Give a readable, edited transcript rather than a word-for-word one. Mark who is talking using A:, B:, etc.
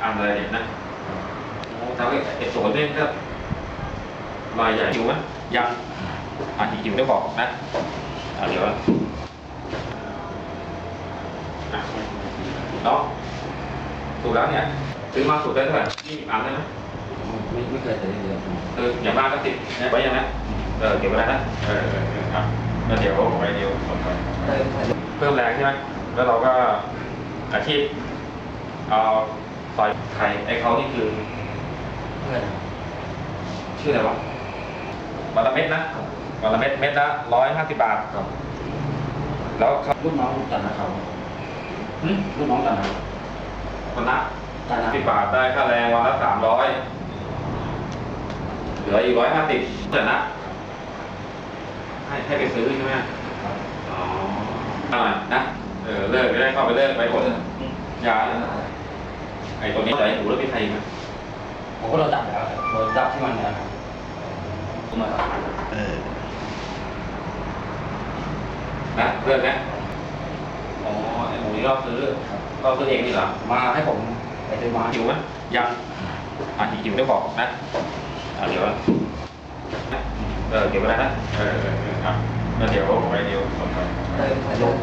A: อันอะไรเนี่ยนะทำให้ไอ้โสนเนี่ยก็รายใหญ่หิวไหมยังหิวได้บอกนะเดี๋ยวเนาะสูตรแล้วเนี่ยซื้อมาสูตรได้เท่าไหร่20 อันได้ไหม
B: ไม่เคยใช้เลย
A: อย่างมากก็10ไว้ยังนะเก็บไว้แล้วนะครับแล้วเดี๋ยวไว้เดี๋ยวส่งไปเพิ่มแรงใช่ไหมแล้วเราก็อาชีพเอาซอยไข่ไอ้เขานี่คือ
B: เพื่อน
A: ชื่ออะไรวะวันละเม็ดนะวันละเม็ดละ150 บาท
B: ครับ
A: แล้ว
B: ลูกน้องจันนะครับลูกน้องจันนะ
A: คนละ10 บาทได้ค่าแรงวันละ300เหลืออีก150เท่าไหร่นะให้ไปซื้อใช่ไหมอ๋อนะเลิกได้เข้าไปเลิกไปหมดยาไอ้ตัวนี้ใส่หูแล้วมีใครอีกไหม
B: ผมก็เราจับแล้วเราจับที่มันนะครับมา
A: นะเลิกนะอ๋อไอ้หมูนี่เราซื้อเองนี่เหรอ
B: มาให้ผมไปซื้อมา
A: หิวไหมยังหิวได้บอกนะเดี๋ยวเก็บไว้แล้วนะครับแล้วเดี๋ยวไว้เดี๋ยวส่งไป